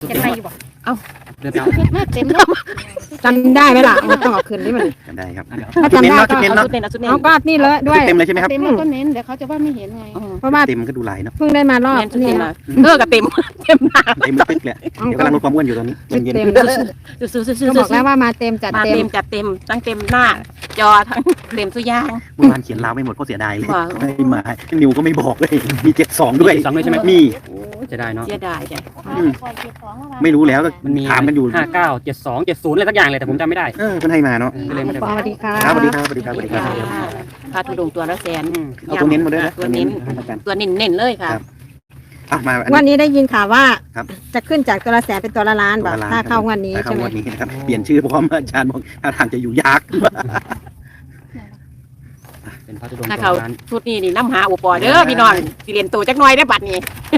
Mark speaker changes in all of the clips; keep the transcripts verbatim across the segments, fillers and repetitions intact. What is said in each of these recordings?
Speaker 1: เห็นอะไรอยู่บ่เอ้า
Speaker 2: เดินไปเอา
Speaker 1: มาเต็มเลย
Speaker 3: จำได้ไหมล่ะมันต้องเอาคืนนี่มัน
Speaker 4: จำได้ครับ
Speaker 3: ถ้าจำได้
Speaker 4: ชุดเน้น
Speaker 3: ก็
Speaker 4: เนาะ
Speaker 1: เอาชุดเน้นเอาชุดเน้น
Speaker 3: เอาก็นี่เลยด้วย
Speaker 4: เต็มเลยใช่ไหมครับ
Speaker 1: เต็มแล้วก็เน้นเดี๋ยวเขาจะว่าไม่เห็นไง
Speaker 3: เพราะว่า
Speaker 4: เต็มก็ดูลายเนาะ
Speaker 3: เพิ่งได้มารอบ
Speaker 1: แม่นชุด
Speaker 3: นี้
Speaker 1: เต็ม
Speaker 3: นะ
Speaker 1: อะเออกับเต็มเต็มหน้า
Speaker 4: เต็มตึ๊กเลยเดี๋ยวกำลังลดความอ้วนอยู่ตอนนี้
Speaker 3: ชุด
Speaker 4: เย็น
Speaker 3: เต็ม
Speaker 1: ซื้อซื้อซื้อซื้อ
Speaker 3: ก็บอกแล้วว่ามาเต็มจัด
Speaker 1: มา
Speaker 3: เต็ม
Speaker 1: เต็มจัดเต็มทั้งเต็มหน้า จอทั้งเต็มสุดยาง
Speaker 4: ๆเมื่อวานเขียนลาวไม่หมดก็เสียดายเลย
Speaker 1: ว้าว
Speaker 4: ไม่มานิวก็ไม่บอกเลยมีเจ็ดสองด้วย
Speaker 2: สองด้วยใช่ไหม
Speaker 4: มี
Speaker 2: โอ้จะได้เนาะ
Speaker 1: เสียดายจ้ะ
Speaker 4: อืมไม่รู้แล้วก็
Speaker 2: มันมี
Speaker 4: ถามกันอยู่
Speaker 2: ห้าเก้าเจ็ดสองเจ็ดศูนย์อะไรสักอย่างเลยแต่ผมจำไม่ได้
Speaker 4: เออเพิ่นให้มาเนาะ
Speaker 2: ก็เลยไม่ได้
Speaker 3: สวัสดีค่ะ
Speaker 4: ครับสวัสดีครับสวัสดีครับสวัสดีครับ
Speaker 1: พาทุดงตัวละแสน
Speaker 2: อืม
Speaker 4: เอาตัวเน้นมาด้วยนะ
Speaker 1: ตัวเน้น
Speaker 4: อาจารย์
Speaker 1: ตัวเน้นเน้นเลยค่ะ
Speaker 4: ครับ อ่ะมาอัน
Speaker 3: วัน
Speaker 4: นี้
Speaker 3: นี้ได้ยินข่าวว่า
Speaker 4: ครับ
Speaker 3: จะขึ้นจากตัวละแสนเป็นตัวละล้าน
Speaker 4: ตัว
Speaker 3: บอก
Speaker 4: ละล้าน
Speaker 3: ถ้าเข้างวันนี้
Speaker 4: ถ้า
Speaker 3: ใช่
Speaker 4: เข้า
Speaker 3: ไหม
Speaker 4: งวันนี้นะครับเปลี่ยนชื่อเพราะว่าอาจารย์บอกท่าทางจะอยู่ยาก
Speaker 2: เป็นพระธุดงค์
Speaker 1: ถ้า
Speaker 2: ตัว
Speaker 1: เขา
Speaker 2: ร้าน
Speaker 1: ชุดนี้นี่น้ำหาอุปอเด้อพี่น้องสิเรียนตัวจักหน่อยได้อบัดนี้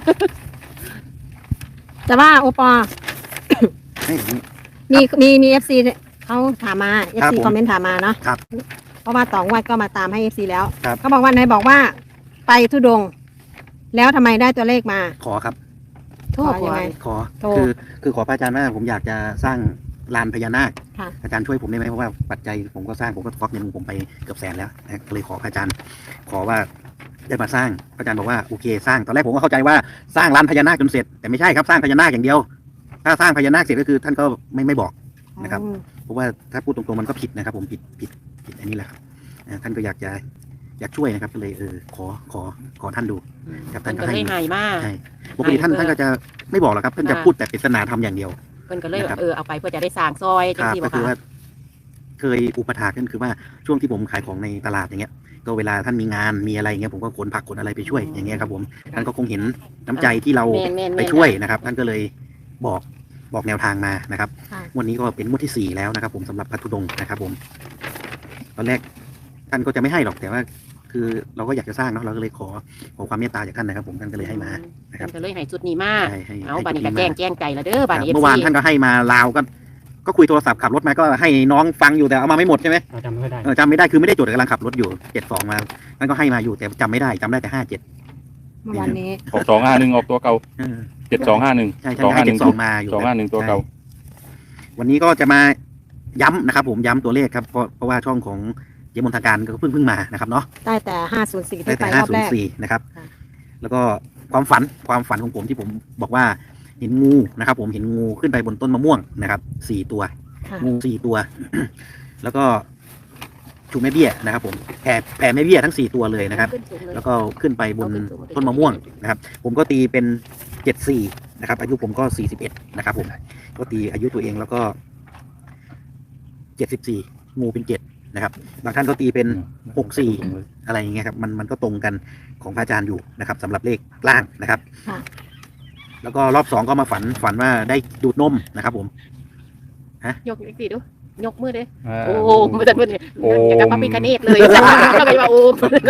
Speaker 3: แต่ว่าโอปอ
Speaker 4: ให้ผม
Speaker 3: มีมีมีเอฟซีเขาถามมาเอฟ
Speaker 4: ครับ
Speaker 3: ซี
Speaker 4: ผม
Speaker 3: คอมเมนต์ถามมาเนาะ
Speaker 4: ครับ
Speaker 3: เพราะว่าต่องวัดก็มาตามให้เอฟซีแล้ว
Speaker 4: ครับ
Speaker 3: เขาบอกว่าไหนายบอกว่า ไปทุดงค์แล้วทำไมได้ตัวเลขมา
Speaker 4: ขอครับ
Speaker 1: โทษ
Speaker 3: ยังไง
Speaker 4: ขอ
Speaker 3: โทร
Speaker 4: คือคือขอพระอาจารย์ว่าผมอยากจะสร้างลานพญานาค
Speaker 3: ค่ะ
Speaker 4: อาจารย์ช่วยผมได้ไหมเพราะว่าปัจจัยผมก็สร้างผมก็ฟอกเงินผมไปเกือบแสนแล้วนะก็เลยขอพระอาจารย์ ขอว่าได้มาสร้างพระอาจารย์บอกว่าโอเคสร้างตอนแรกผมก็เข้าใจว่าสร้างลานพญานาคจนเสร็จแต่ไม่ใช่ครับสร้างพญานาคอย่างเดียว ถ้าสร้างพญานาคเสร็จก็คือท่านก็ไม่ไม่บอก นะครับ
Speaker 3: อืม
Speaker 4: เพราะว่าถ้าพูดตรงๆมันก็ผิดนะครับ ผมผิดผิดผิดอันนี้แหละครับอ่าท่านก็อยากจะอยากช่วยนะครับก็เลยเออขอขอขอท่านดู ครับ
Speaker 1: เพิ่นก็
Speaker 4: ท่านก็
Speaker 1: เล
Speaker 4: ให้
Speaker 1: ยหายมาก
Speaker 4: ใช่ปกติท่าน
Speaker 1: ให้เพื่อ
Speaker 4: ท่านก็จะไม่บอกหรอกครับท่านจะ
Speaker 1: อ่า
Speaker 4: พูดแต่ปริศนาธรรมอย่างเดียว
Speaker 1: เพิ่นก็เลย
Speaker 4: นะครับ
Speaker 1: เออเอาไปเพื่อจะได้สร้างซอย
Speaker 4: ค
Speaker 1: จัง
Speaker 4: รับ
Speaker 1: ซี่
Speaker 4: ก็
Speaker 1: บ่
Speaker 4: คือ
Speaker 1: ค่ะ
Speaker 4: ว่าเคยอุปถากนั่นคือว่าช่วงที่ผมขายของในตลาดอย่างเงี้ย ก็เวลาท่านมีงานมีอะไรอย่างเงี้ยผมก็ขนผักขนอะไรไปช่วยอย่างเงี้ยครับผมท่านก็คงเห็นน้ำใจที่เรา
Speaker 1: แม่นแม่น
Speaker 4: ไป
Speaker 1: แม่น
Speaker 4: ช่วยนะครับ ท่านก็เลยบอกบอกแนวทางมานะครับ
Speaker 3: ค่ะ
Speaker 4: งวันนี้ก็เป็นงวดที่สี่แล้วนะครับ ผมสำหรับพระธุดงค์นะครับ ผม ตอนแรกท่านก็จะไม่ให้หรอกแต่ว่า คือเราก็อยากจะสร้างเนาะเราก็เลยขอขอความเมตตาจากท่านนะครับ ผมท่านก็เลยให้มานะครับ
Speaker 1: เพิ่นก็เลยให้ชุดนี้มา
Speaker 4: ใช่ให้
Speaker 1: เอา
Speaker 4: ให้
Speaker 1: บัดนี้
Speaker 4: จุ
Speaker 1: ก็
Speaker 4: ด
Speaker 1: แจ้ง
Speaker 4: มา
Speaker 1: แจ้งใจแล้วเด้อบัดนี้
Speaker 4: เมื่อวานท่านก็ให้มาลาวก็ก็คุยโทรศัพท์ขับรถมาก็ให้น้องฟังอยู่แต่เอามาไม่หมดใช่ไหม
Speaker 2: เราจำไม่ค่อยได้
Speaker 4: เออจำไม่ได้คือไม่ได้จดกำลังขับรถอยู่เจ็ดสองมาท่านก็ให้มาอยู่แต่จำไม่ได้จำได้แต่ห้าเจ็ด
Speaker 3: เมื่อวานนี้
Speaker 5: ออกสองห้าหนึ่งออกตัวเก่าเจ็ดสองห้าหนึ่ง
Speaker 4: ใช่ใช่
Speaker 5: สอง
Speaker 4: ให้
Speaker 5: ห้าห
Speaker 4: เจ็
Speaker 5: นึ่
Speaker 4: ด
Speaker 5: ง
Speaker 4: สองมาอยู่
Speaker 5: สองห้าหนึ่งตัวเก่า
Speaker 4: ใช่วันนี้ก็จะมาย้ำนะครับ ผมย้ำตัวเลขครับเพราะเพราะว่าช่องของเยมนทางการก็เพิ่งเพิ่งมานะครับเนาะ
Speaker 3: ได้แต่ห้าศูนย์สี่
Speaker 4: ได้
Speaker 3: ที่ไป
Speaker 4: แต่
Speaker 3: ร
Speaker 4: ห้า
Speaker 3: อบ
Speaker 4: ศู
Speaker 3: แร
Speaker 4: นย์
Speaker 3: ก
Speaker 4: สี่นะครับ
Speaker 3: ค่ะ
Speaker 4: แล้วก็ความฝันความฝันของผมที่ผมบอกว่าเห็นงูนะครับ ผมเห็นงูขึ้นไปบนต้นมะม่วงนะครับสี่ตัว
Speaker 3: ค่ะ
Speaker 4: งูสี่ตัว แล้วก็ชูแม่เบี้ยนะครับ ผมแผ่แผ่แม่เบี้ยทั้งสี่ตัวเลยนะครับ
Speaker 1: ขึ้นสูงเลย
Speaker 4: แล้วก็ขึ้นไปบนต้นมะม่วงนะครับ ผมก็ตีเป็นเจ็ดสี่นะครับ อายุผมก็สี่สิบเอ็ดนะครับผมก็ตีอายุตัวเองแล้วก็เจ็ดสิบสี่งูเป็นเจ็ดนะครับบางท่านก็ตีเป็นหกสี่อะไรอย่างเงี้ยครับมันมันก็ตรงกันของพระอาจารย์อยู่นะครับสำหรับเลขล่างนะครับ
Speaker 3: ค่ะ
Speaker 4: แล้วก็รอบสองก็มาฝันฝันว่าได้ดูดนมนะครับ ผม
Speaker 1: ยกอีกทีดูยกมือเด้
Speaker 5: อ่า
Speaker 1: โอ้โหมันจะมันเนี่ย
Speaker 5: โอ้
Speaker 1: อย่างกับพระพิฆเนศเลยก็เลยว่าโอ้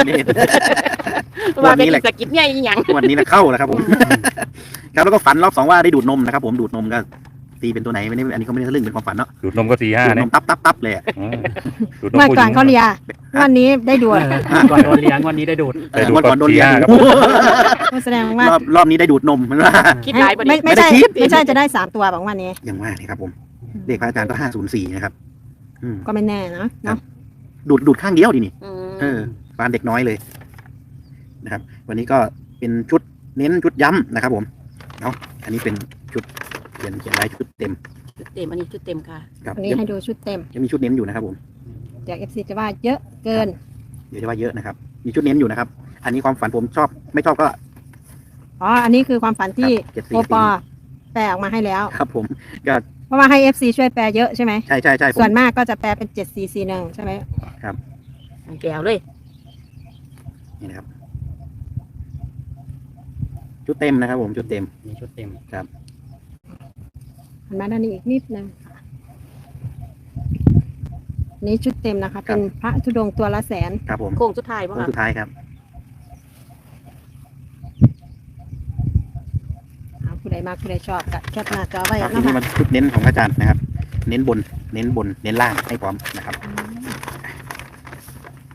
Speaker 1: ว่าเป็นสกิปเนี่ยอีหยัง
Speaker 4: วันนี้นะเข้าแล้วครับผม ครับแล้วก็ฝันรอบสองว่าได้ดูดนมนะครับ ผมดูดนมก็ตีเป็นตัวไหนไม่ได้อันนี้ก็ไม่ได้ทะลึ่งเป็นความฝันเนาะ
Speaker 5: ดูดนมก็สี่ห้า
Speaker 4: ดูดน
Speaker 5: เนี่ย
Speaker 4: มตับตับตับเลยอะ
Speaker 5: อ่าดูดนม
Speaker 3: เมื่อ
Speaker 5: ผู้ห
Speaker 3: ก่
Speaker 5: ญิ
Speaker 3: อน
Speaker 5: ง
Speaker 3: เขาเลียวันนี้ได้ดูด
Speaker 2: เออก่อนโดนเลี้ยงวันนี้ได้ดูด
Speaker 4: เออวันก่อนโดนเลี้ยง
Speaker 5: ครับ
Speaker 3: ก็แสดงว่าร
Speaker 4: อบรอบนี้ได้ดูดนมมันว่า
Speaker 1: คิดหลายประเด็
Speaker 3: ไม่
Speaker 1: น
Speaker 3: ไม่ใช่
Speaker 4: ไม่ได้คิด
Speaker 3: ไม่ใช่จะได้สามตัวบอกวันนี้
Speaker 4: อย่างว่านี่ครับผมเลขพระอาจารย์ก็ห้าศูนย์สี่นะครับ อืม
Speaker 3: ก็ไม่แน่นะเนาะ
Speaker 4: ดูดดูดข้างเดียวดินี่
Speaker 1: อืม
Speaker 4: เออปานเด็กน้อยเลยนะครับ วันนี้ก็เป็นชุดเน้นชุดย้ำนะครับ ผมเนาะอันนี้เป็นชุดเขียนเขียนลายชุดเต็ม
Speaker 1: ชุดเต็มอันนี้ชุดเต็มค่ะ
Speaker 4: ครับ
Speaker 3: วันนี้
Speaker 4: ยัง
Speaker 3: ให้ดูชุดเต็ม
Speaker 4: ยังมีชุดเน้นอยู่นะครับ ผม
Speaker 3: เดี๋ยวเอฟซีจะว่าเยอะเกิน
Speaker 4: เดี๋ยวจะว่าเยอะนะครับ มีชุดเน้นอยู่นะครับ อันนี้ความฝันผมชอบไม่ชอบก็
Speaker 3: อ๋อ อันนี้คือความฝันที่
Speaker 4: เจ็ด
Speaker 3: โอ
Speaker 4: สี่
Speaker 3: ปอแปลออกมาให้แล้ว
Speaker 4: ครับ ผมก็
Speaker 3: เพราะว่าให้ เอฟ ซี ช่วยแปลเยอะใช่ไหม
Speaker 4: ใช่ใช่ใช่ผม
Speaker 3: ส่วนมากก็จะแปลเป็นเจ็ดสี่สี่หนึ่งใช่ไหม
Speaker 1: แก้วเลย
Speaker 4: นี่นะครับ ชุดเต็มนะครับ ผมชุดเต็ม
Speaker 2: มีชุดเต็ม
Speaker 3: หันมาด้านนี้อีกนิดนึงค่ะนี่ชุดเต็มนะคะ เป็นพระธุดงค์ตัวละแสน
Speaker 4: ครับผม
Speaker 1: โค้งสุดท้ายป่ะ
Speaker 4: โค้ง
Speaker 1: คะ
Speaker 4: สุดท้ายครับ
Speaker 3: เอาผู้ใดมากผู้ใดชอบก็แคปหน้าจอไว้
Speaker 4: ครับที
Speaker 3: นะ
Speaker 4: นี้
Speaker 3: คะ
Speaker 4: มาชุดเน้นของพระอาจารย์นะครับ เน้นบน เน้นบน เน้นล่างให้พร้อมนะครับ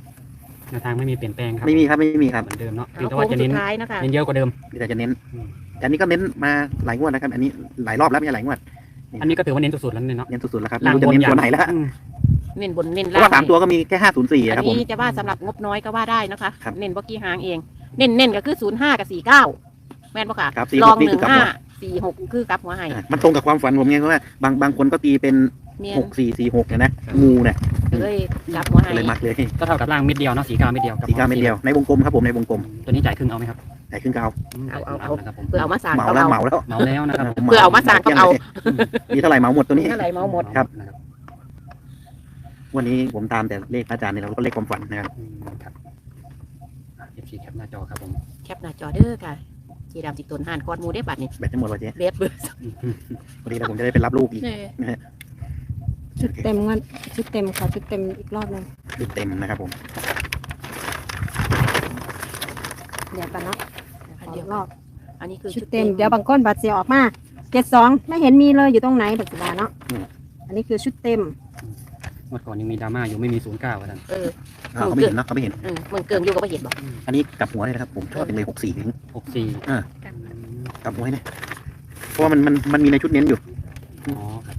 Speaker 2: แนวทางไม่มีเปลี่ยนแปลงครับ
Speaker 4: ไม่มีครับไม่มีครับ
Speaker 2: เหมือนเดิมเนาะเพียง
Speaker 1: เอา
Speaker 2: แต่
Speaker 1: โค้
Speaker 2: ว่าง จะ
Speaker 1: สุ
Speaker 2: เน้น
Speaker 1: ดท้ายนะคะ
Speaker 2: เน้นเยอะกว่าเดิม
Speaker 4: มีแต่จะเน้น
Speaker 2: อืม
Speaker 4: อันนี้ก็เน้นมาหลายงวดนะครับ อันนี้หลายรอบแล้วไม่ใช่หลายงวด
Speaker 2: อันนี้ก็ถือว่าเน้นสุดๆแล้วเนี่ยเนาะ
Speaker 4: เน้นสุดๆแล้วครับ
Speaker 2: ล่าง
Speaker 4: ไม่รู้จะเน้นตัวไหนแล้ว
Speaker 2: อืม
Speaker 1: เน้นบนเน้น
Speaker 4: เพ
Speaker 1: ล่า
Speaker 4: ราะ
Speaker 1: ง
Speaker 4: ว่าสามตัวก็มีแค่ห้าศูนย์สี่
Speaker 1: อัน
Speaker 4: ครับผม
Speaker 1: นี้จะว่าสำหรับงบน้อยก็ว่าได้นะคะ
Speaker 4: ครับ
Speaker 1: เน้นบ่กี่หางเอง เน้นเน้นก็คือศูนย์ห้ากับสี่เก้าแม่นปะค่ะ
Speaker 4: ครับสี่หก
Speaker 1: ลอง
Speaker 4: นี่
Speaker 1: ห
Speaker 4: คื
Speaker 1: นึ่
Speaker 4: อง กลับ
Speaker 1: ห้า
Speaker 4: หัว
Speaker 1: สี่หกคือกลับหัวให้
Speaker 4: อ่ะมันตรงกับความฝันผมไงเพราะว่าบางบางคนก็ตีเป็น
Speaker 1: เมีย
Speaker 4: หกสี่สี่หกเนี่ยนะงูเนี่ย
Speaker 1: ก็เลยกลับหัวให้
Speaker 4: ก็เลยมักเลย
Speaker 2: ก็เท่ากับล่างเม็ดเดียวเนาะสีเก้าเม็ดเดียว
Speaker 4: สี่เก้าเม็ดเดียวในวงกลมครับผมในวงกลม
Speaker 2: ตัวนี้จ่ายครึ่งเอาไหมครับ
Speaker 4: ไหนขึ้นก็เอา
Speaker 2: ม
Speaker 1: เอาเอาเอา
Speaker 2: นะครับผม
Speaker 1: เพื่อเอามาสั่ง
Speaker 4: เหมา
Speaker 1: ก็
Speaker 4: แล้ว
Speaker 1: เอา
Speaker 4: เหมาแล้ว
Speaker 2: เหมาแล้วนะครับ
Speaker 1: เพื่อเอามาสั่งก็เอา
Speaker 4: มีเท่าไหร่เหมาหมดตัวนี้
Speaker 1: เท่าไหร่เมาหมด
Speaker 4: ครับ
Speaker 2: นะครับ
Speaker 4: วันนี้ผมตามแต่เลขพระอาจารย์เนี่ยเราก็เลขความฝันนะครับ
Speaker 2: อืมครับเอฟซีแคปหน้าจอครับผม
Speaker 1: แคปหน้าจอเด้อค่ะจีดำจิกตนห่านก้อนหมูได้บัตรนี่
Speaker 4: แบตจะหมดวะเจ๊
Speaker 1: เล็บเบอร์
Speaker 4: วันนี้เราผมจะได้ไปรับลูกอีกนะฮะ
Speaker 3: ชุดเต็มงวดชุดเต็มขอชุดเต็มอีกรอบหนึง
Speaker 4: ชุดเต็มนะครับผม
Speaker 3: เดี๋ยวกันเนาะ
Speaker 1: อั
Speaker 3: ข
Speaker 1: น
Speaker 3: อ
Speaker 1: เดี
Speaker 3: อี
Speaker 1: ยว
Speaker 3: กรอบ
Speaker 1: อันนี้คือ
Speaker 3: ชุดเต็มเดี๋ยวบางก้นบัตรเสียออกมาเจ็ดสองไม่เห็นมีเลยอยู่ตรงไหนบัตรสีดาเนาะอันนี้คือชุดเต็ม
Speaker 2: เมื่อก่อนยังมีดราม่าอยู่ไม่มีศูนย์เก้าท่าน
Speaker 1: เออ
Speaker 4: อ่าเขาไม่เห็นเนอะเขาไม่เห็น
Speaker 1: เออเมืองเกิงอยู่ก็ไม่เห็นบอก
Speaker 4: อันนี้กลับหัวเลยนะครับผมชอบเป็นเลยหกสี่ถึง
Speaker 2: หกสี่
Speaker 4: กลับหัวให้นะเพราะว่ามันมันมันมีในชุดเน้นอยู่
Speaker 2: อ๋อครับ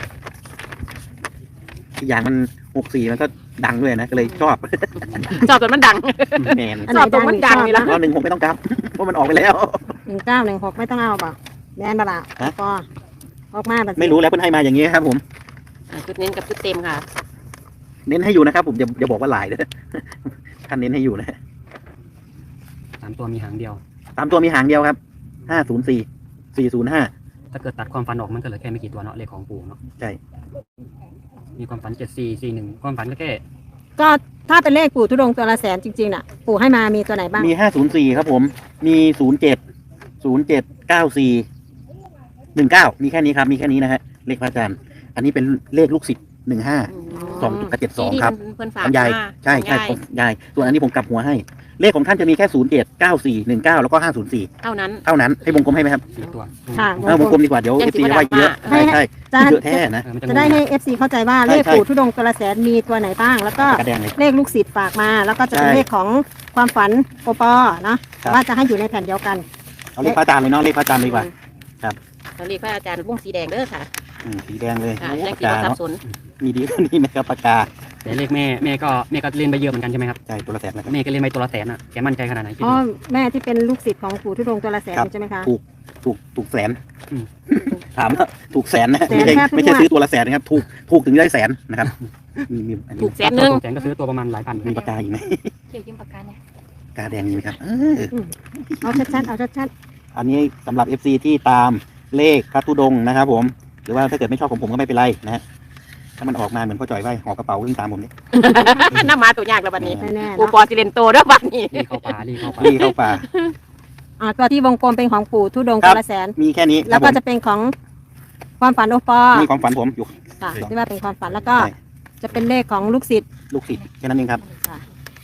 Speaker 4: อีกอย่างมันหกสี่มันก็ดังด้วยนะก็เลยชอบ
Speaker 1: ชอบจนมันดัง
Speaker 4: แมน
Speaker 3: อันไหน
Speaker 1: ชอบตรงมันดังนี่ล่ะ
Speaker 4: ก็หนึ่งหกไม่ต้องกลับเพราะมันออกไปแล้ว
Speaker 3: หนึ่งเก้าหนึ่งหกไม่ต้องเอาเปล่าแม่นบละ
Speaker 4: ฮะ
Speaker 3: ก็ออกมาบัตร
Speaker 4: ไม่รู้แล้วเพิ่นให้มาอย่างนี้ครับผม
Speaker 1: อ่าชุดเน้นกับชุดเต็มค่ะ
Speaker 4: เน้นให้อยู่นะครับผมอย่าอย่าบอกว่าหลายนะ ท่านเน้นให้อยู่นะ
Speaker 2: สามตัวมีหางเดียว
Speaker 4: ตามตัวมีหางเดียวครับห้าศูนย์สี่สี่ศูนย์ห้า
Speaker 2: ถ้าเกิดตัดความฝันออกมันก็เหลือแค่ไม่กี่ตัวเนาะเลขของปู่เนาะ
Speaker 4: ใช่
Speaker 2: มีความฝันเจ็ดสี่สี่หนึ่งความฝันก็แค่
Speaker 3: ก็ถ้าเป็นเลขปู่ทุดงค์ตัวละแสนจริงๆน่ะ ปู่ให้มามีตัวไหนบ้าง
Speaker 4: มีห้าศูนย์สี่ครับผม มีศูนย์เจ็ดศูนย์เจ็ดเก้าสี่หนึ่งเก้ามีแค่นี้ครับ มีแค่นี้นะฮะเลขพระอาจารย์ อันนี้เป็นเลขลูกศิษย์หนึ่งห้าสองกับเจ็ดสอง
Speaker 1: ที่
Speaker 4: ครับ
Speaker 1: เพิ่นฝาก
Speaker 4: ของยาย
Speaker 1: มา
Speaker 4: ใช่ใช่
Speaker 1: ของ
Speaker 4: ของ
Speaker 1: ยาย
Speaker 4: ยาย ส่วนอันนี้ผมกลับหัวให้ เลขของท่านจะมีแค่ศูนย์เจ็ดเก้าสี่หนึ่งเก้าแล้วก็ห้าศูนย์สี่
Speaker 1: เท่านั้น
Speaker 4: เท่านั้นให้วงกลมให้ไหมครับ
Speaker 2: สี่ตัว
Speaker 3: ค่ะ
Speaker 4: เออวงกลมดีกว่าเดี๋ยว
Speaker 1: ยั
Speaker 4: เอง ฟ
Speaker 1: สิ
Speaker 4: ซี
Speaker 1: บ่
Speaker 4: ว่าเยอะ
Speaker 1: ได้
Speaker 4: ใช่
Speaker 1: มา
Speaker 4: ใช่
Speaker 3: จะ
Speaker 4: เยอะแท้นะ
Speaker 2: เออมันจะ
Speaker 3: จะได้ให้ เอฟ ซี เข้าใจว่า
Speaker 4: ใช่
Speaker 3: เลข
Speaker 4: ใช่
Speaker 3: ปู่ทุดงค์ตัวละแสนมีตัวไหนบ้าง แล้วก็
Speaker 4: กระแดงเลย
Speaker 3: เลขลูกศิษย์ฝากมา แล้วก็จะเป็น
Speaker 4: ใช่
Speaker 3: เลขของความฝันโอปอเนาะ
Speaker 4: ครับ
Speaker 3: ว่าจะให้อยู่ในแผ่นเดียวกัน
Speaker 4: เอาเลขพระอาจารย์เลยเนาะเลขพระอาจารย์ดีกว่า
Speaker 1: เราเรียกพระอาจารย์วงสีแดงเด้อค่ะ
Speaker 4: อืมสีแดงเลย
Speaker 1: ค่ะ
Speaker 4: โอ้
Speaker 1: ยัง
Speaker 4: ปาก
Speaker 1: สี
Speaker 4: กา
Speaker 1: บ่สับ
Speaker 4: เนาะ
Speaker 1: สน
Speaker 4: มีดีกว่านี้ไหมครับปากกา
Speaker 2: แต่เลขแม่แม่ก็แม่ก็เรียนไปเยอะเหมือนกันใช่ไหมครับ
Speaker 4: ใช่ตัวละแสนนะครับ
Speaker 2: แม่ก็เรียนไปตัวละแสนอ่ะแกมั่นใจขนาดไหนคิด
Speaker 3: อ๋อ
Speaker 2: ดู
Speaker 3: แม่ที่เป็นลูกศิษย์ของปู่ทุดงค์ตัวละแสน
Speaker 4: ครับ
Speaker 3: ใช่ไหมคะ
Speaker 4: ถูกถูกถูกแสน
Speaker 2: อืม
Speaker 4: ถามว่าถูกแสนนะ
Speaker 3: แสน
Speaker 4: ไม่ใช่
Speaker 3: แทบทุก
Speaker 4: ไม่ใช่
Speaker 3: งวด
Speaker 4: ซื้อตัวละแสนนะครับถูกถูกถึงได้แสนนะครับมีมีอันนี้
Speaker 1: ถูกแสนหนึ่ง
Speaker 2: แสนก็ซื้อตัวประมาณหลายพัน
Speaker 4: มีปากกาอีกไหม
Speaker 1: เกี่ยวกับปากกาเนี่ย
Speaker 4: ปากกาแดงมีไหมครับเออ
Speaker 3: เอาชัดๆเอาชัด
Speaker 4: อันนี้สำหรับ เอฟ ซี ที่ตามเลขพระธุดงค์นะครับผม หรือว่าถ้าเกิดไม่ชอบของผมก็ไม่เป็นไรนะฮะถ้ามันออกมาเหมือนพ่อจ่อยไว้ห่อกระเป๋าวิ่งตามผมนี่
Speaker 1: น้ำมาตัวยากแล้วบัดนี้
Speaker 3: ๆแน่ๆ
Speaker 1: ปู
Speaker 3: เนาะ
Speaker 1: ปอซิเลนโตเด้อบัดนี้
Speaker 2: รีเข้าป่ารีเข้าป่า
Speaker 4: รีเข้าป่า
Speaker 3: อ่าตัวที่วงกลมเป็นของปู่ทุดงค์
Speaker 4: ครั
Speaker 3: ตั
Speaker 4: บ
Speaker 3: วละแสน
Speaker 4: มีแค่นี้ค
Speaker 3: แล้
Speaker 4: รั
Speaker 3: ว
Speaker 4: บผ
Speaker 3: ก็
Speaker 4: ม
Speaker 3: จะเป็นของความฝันโอปอ
Speaker 4: นี่ความฝันผมอยู่
Speaker 3: ค่ะที่ว่าเป็นความฝันแล้วก็
Speaker 4: ใช่
Speaker 3: จะเป็นเลขของลูกศิษย์
Speaker 4: ลูกศิษย์แค่นั้นเองครับ
Speaker 3: ค่ะ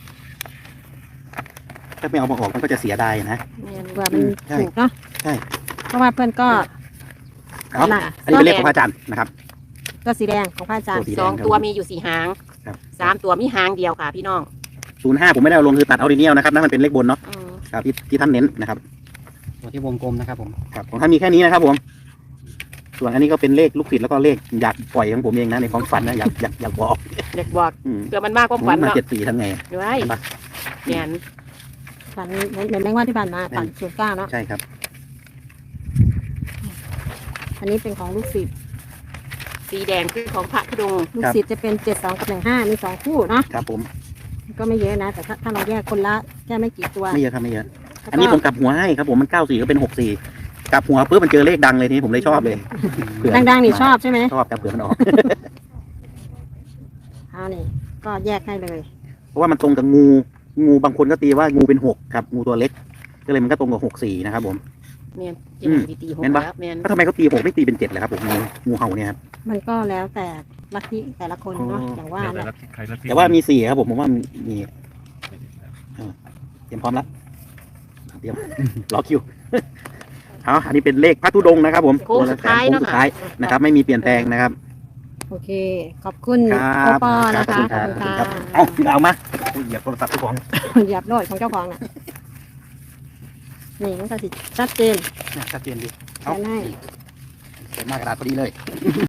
Speaker 4: ถ้าไม่เอามาออกมันก็จะเสียดายนะ
Speaker 3: เผื่อมัน
Speaker 4: ใช่
Speaker 3: ถูกเนาะ
Speaker 4: ใช่
Speaker 3: เพราะว่าเพื่อนก็
Speaker 4: เอา
Speaker 3: น่ะ
Speaker 4: อันนี้เป็นเลขของพระอาจารย์นะครับ
Speaker 3: ก็สีแดงของพระอาจารย์
Speaker 4: ตัวสี
Speaker 1: สองตัวมีอยู่สี่หาง
Speaker 4: ครับ
Speaker 1: สามตัวมีหางเดียวค่ะพี่น้อง
Speaker 4: ศูนย์ห้าผมไม่ได้เอาลงคือตัดเอาดีเนียลนะครับนั่นมันเป็นเลขบนเนาะ
Speaker 1: อืม
Speaker 4: ครับที่ที่ท่านเน้นนะครับ
Speaker 2: ตัวที่วงกลมนะครับผม
Speaker 4: ครับของท่านมีแค่นี้นะครับผม ส่วนอันนี้ก็เป็นเลขลูกศิษย์แล้วก็เลขอยากปล่อยของผมเองนะในความฝันนะอยากอยากอยากบอก
Speaker 1: เด็กบอก
Speaker 4: อืม
Speaker 1: เผื่อมันมากกว่าฝัน
Speaker 4: มา
Speaker 1: เนาะ
Speaker 4: เจ็ดสี่ทำไง
Speaker 1: ด้วย
Speaker 4: เห็นปะ
Speaker 1: เนียน
Speaker 3: ฝันเหมือนเหมือนแมงว่าที่ผ่านมาฝันศูนย์เก้าเนาะ
Speaker 4: ใช่ครับ
Speaker 3: อันนี้เป็นของลูกศิษย์
Speaker 1: สีแดงคือของพระธุดงค์
Speaker 3: ลูกศิษย์จะเป็นเจ็ดสองกับหนึ่งห้ามีสองคู่เนาะ
Speaker 4: ครับผม
Speaker 3: ก็ไม่เยอะนะ แต่ถ้าถ้าเราแยกคนละแค่ไม่กี่ตัว
Speaker 4: ไม่เยอะครับไม่เยอะ
Speaker 3: แล้วก็
Speaker 4: อันนี้ผมกลับหัวให้ครับผมมันเก้าสี่ก็เป็นหกสี่กลับหัวปุ๊บมันเจอเลขดังเลยทีนี้ผมเลยชอบเลยเผื่อ
Speaker 3: ดังๆนี่ชอบใช่ไหม
Speaker 4: ชอบครับเผื่อมันออก
Speaker 3: เอานี่ก็แยกให้เลย
Speaker 4: เพราะว่ามันตรงกับงู งูบางคนก็ตีว่างูเป็นหกครับ งูตัวเล็ก ก็เลยมันก็ตรงกับหกสี่นะครับผม
Speaker 1: เนียนเจ็
Speaker 4: อื
Speaker 1: ด
Speaker 4: ม
Speaker 1: ตีตีหก
Speaker 4: แม่นปะ
Speaker 1: แล้วเนียน
Speaker 4: ก็ทำไมเขาตีหกไม่ตีเป็นเจ็ดเลยครับผมงูงูเห่าเนี่ยครับ
Speaker 3: มันก็แล้วแต่ลัทธิแต่ละคนเนาะ
Speaker 4: อ๋อ
Speaker 3: อ
Speaker 4: อ
Speaker 3: ย่างว่า
Speaker 5: แต่
Speaker 3: แหละ
Speaker 5: ละใครละที่
Speaker 4: แต่ว่ามีสี่ครับผมผมว่ามีเออเตรียมพร้อมแล้วเตรียม รอคิว เอาอันนี้เป็นเลขพระธุดงค์นะครับผม
Speaker 1: โค้งสุดท้าย
Speaker 4: โค้ง
Speaker 1: เนาะ
Speaker 4: สุด
Speaker 1: ค่ะ
Speaker 4: ท้ายนะครับ ไม่มีเปลี่ยนแปลงนะครับ
Speaker 3: โอเค ขอบคุณ
Speaker 4: ค
Speaker 3: โอ
Speaker 4: รับ
Speaker 3: ปอ
Speaker 4: ครั
Speaker 3: นะ
Speaker 4: บขอบ
Speaker 3: คะ
Speaker 4: คุณ
Speaker 3: ข
Speaker 4: ค
Speaker 3: อ
Speaker 4: รั
Speaker 3: บบ คุณ
Speaker 4: เอา
Speaker 3: ค่ะ
Speaker 4: เอาเอามาโอ้ยเหยียบโทรศัพท์ทุกของ
Speaker 3: เหยียบโลดของเจ้าของน่ะนี่มันก็สิชัดเจน
Speaker 4: เนี่ยชัดเจนดี
Speaker 3: แค่ไหน
Speaker 4: เขียนหน้ากระดาษพอดีเลย